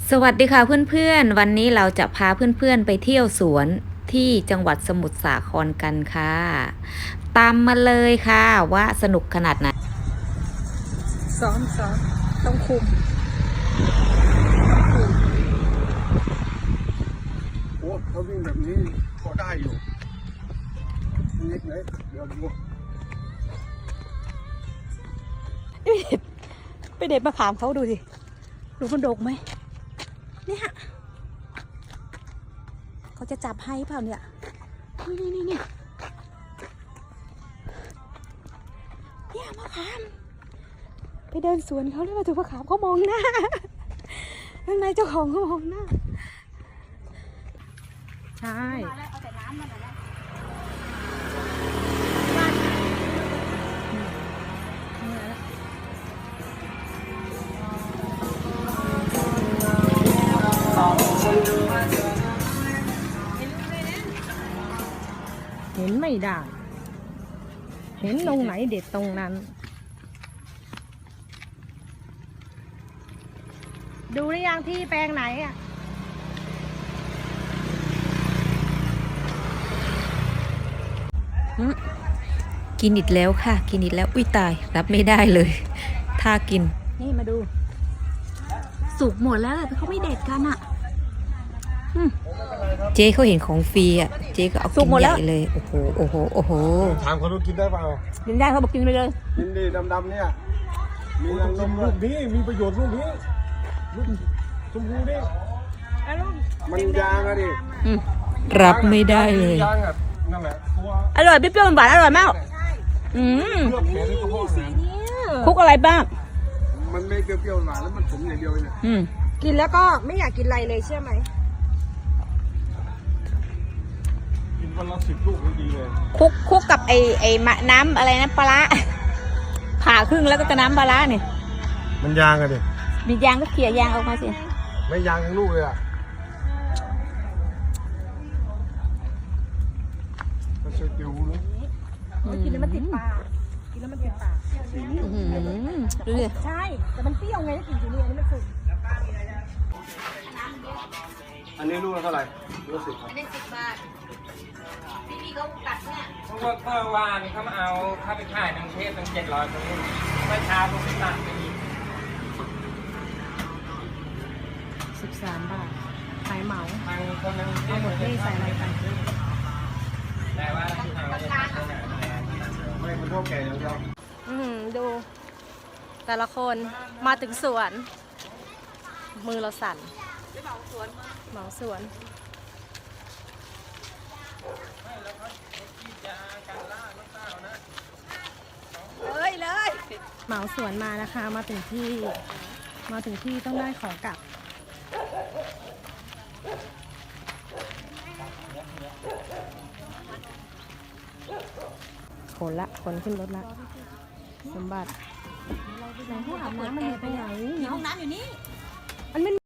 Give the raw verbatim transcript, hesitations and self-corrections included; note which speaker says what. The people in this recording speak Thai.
Speaker 1: สวัสดีค่ะเพื่อนๆวันนี้เราจะพาเพื่อนๆไปเที่ยวสวนที่จังหวัดสมุทรสาครกันค่ะตามมาเลยค่ะว่าสนุกขนาดไหน
Speaker 2: ซ้อมซ้อมต้องคุม
Speaker 3: โอ้เขาวิ่งแบบนี้พอได้อยู่เล็กเลยเดี๋ยวดู
Speaker 2: ไปเด็ดมะขามเขาดูสิดูมันดกไหมเนี่ยเขาจะจับให้เปล่าเนี่ยนี่นี่นี่เนี่ยมะขามไปเดินสวนเขาแล้วมาถูกมะขามเขามองหน้าข้างในเจ้าของเขามองหน้าใช่เห็นไม่ได้เห็นตรงไหนเด็ดตรงนั้นดูหรือยังที่แปลงไหนอ่ะ
Speaker 1: กินอีกแล้วค่ะกินอีกแล้วอุ้ยตายรับไม่ได้เลยถ้ากิน
Speaker 2: นี่มาดูสุกหมดแล้วแต่เขาไม่เด็ดกันอ่ะ
Speaker 1: เจ๊เขาเห็นของฟรีอ่ะเจ๊ก็เอากินใหญ่เลยโอ้โหโอ้โหโอ้โห
Speaker 3: ถามเขาดูกินได้เปล่า
Speaker 2: กินได้เขาบอกกินไปเลย
Speaker 3: กินดีดำๆเนี่ยมีรังนมลูกนี้มีประโยชน์ลูกนี้ลูกชมพูนี่มันยางอะดิ
Speaker 1: รับไม่ได้เลย
Speaker 3: ยางอะนั่นแหละตัว
Speaker 2: อร่อยเปรี้ยวๆหวานอร่อยมากอืม
Speaker 3: เลือกแขนในกระเพาะอาหาร
Speaker 2: คุกอะไรบ้าง
Speaker 3: มันไม่เปรี้ยวๆหวานแล้วมันขมอย่างเดียวเนี่ย
Speaker 2: กินแล้วก็ไม่อยากกินอะไรเลยเชื่อไหม
Speaker 3: กินวันละสิบลูกดีเลย
Speaker 2: คุกคุกกับไอไอมะน้ำอะไรนะปลาผ่าครึ่งแล้วก็จะน้ำปลาเนี่ย
Speaker 3: มันยางอะดิ
Speaker 2: มียางก็เขี่ยยางออกมาสิ
Speaker 3: ไม่ยางทั้งลูกเลยอ่ะก็เชื่อติวเลย
Speaker 2: กินแล้วมันติดปากกินแล้วมันติดปากดูดิใช่แต่มันเปรี้ยวไงถ้ากินทีนี้อันนี้มันสุก
Speaker 3: อันนี้ลูกละเท่าไหร่ลูกสิบครับ
Speaker 1: ได้สิบบาทพี่พี่เขาตัดเนี่ย
Speaker 4: เพราะว่าเมื่อวานเขามาเอาข้าไปขายในกรุงเทพตั้งเจ็ดร้อยคนนี้เมื่อเช้าผมไปตัดไปอีก
Speaker 2: สิบสามบาทขายเหมา
Speaker 4: ทางคนนึง
Speaker 2: เอาหมดที่ใส่อะไรกัน
Speaker 4: แต่ว่าที่ทางเราจะตัดตรงไหน
Speaker 3: ไม่มันเท่าแก่อย่างเดียว
Speaker 2: อืมดูแต่ละคนมาถึงสวนมือเราสั่นเหมาสวนเหมาสวนเลยเลยเหมาสวนมานะคะมาถึงที่มาถึงที่ต้องได้ของกลับขนละขนขึ้นรถละสมบัติในห้องอาบน้ำมันไปไหนห้องน้ำอยู่นี่มันไม่